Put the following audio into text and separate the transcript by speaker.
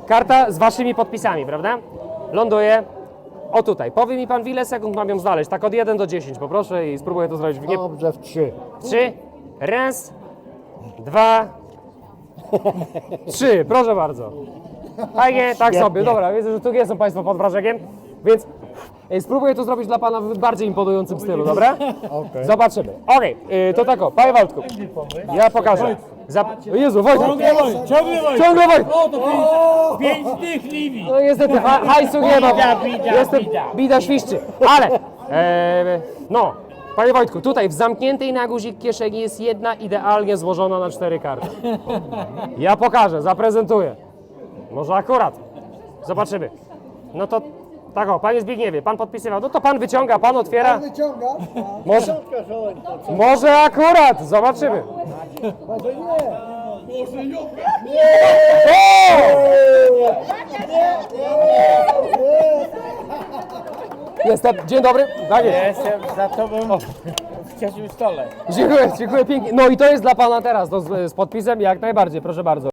Speaker 1: karta z waszymi podpisami, prawda? Ląduje. O tutaj. Powie mi pan, w ile sekund mam ją znaleźć? Tak od 1 do 10, poproszę i spróbuję to zrobić w nie...
Speaker 2: Dobrze, w 3.
Speaker 1: 3. Raz, 2, 3. Proszę bardzo. Fajnie, tak sobie. Dobra, widzę, że tu nie są państwo pod wrażeniem, więc spróbuję to zrobić dla pana w bardziej imponującym stylu, dobra?
Speaker 2: Okej.
Speaker 1: Zobaczymy. Okej, to tak o, panie Wojtku, ja pokażę. Jezu, Wojtek! Ciągle Wojtek!
Speaker 3: O, to 5 dych Libii.
Speaker 1: No niestety, hajsu nie ma, bida świszczy, ale, no, panie Wojtku, tutaj w zamkniętej na guzik kieszeni jest jedna idealnie złożona na 4 karty. Ja pokażę, zaprezentuję. Może akurat. Zobaczymy. No to, tak o, panie Zbigniewie, pan podpisywał, no to pan wyciąga, pan otwiera.
Speaker 2: Wyciąga?
Speaker 1: Może akurat, zobaczymy.
Speaker 2: Może nie.
Speaker 1: Jestem, dzień dobry. Tak jest.
Speaker 3: Jestem za tobą w ciasnym stole.
Speaker 1: Dziękuję pięknie. No i to jest dla pana teraz, to z podpisem jak najbardziej, proszę bardzo.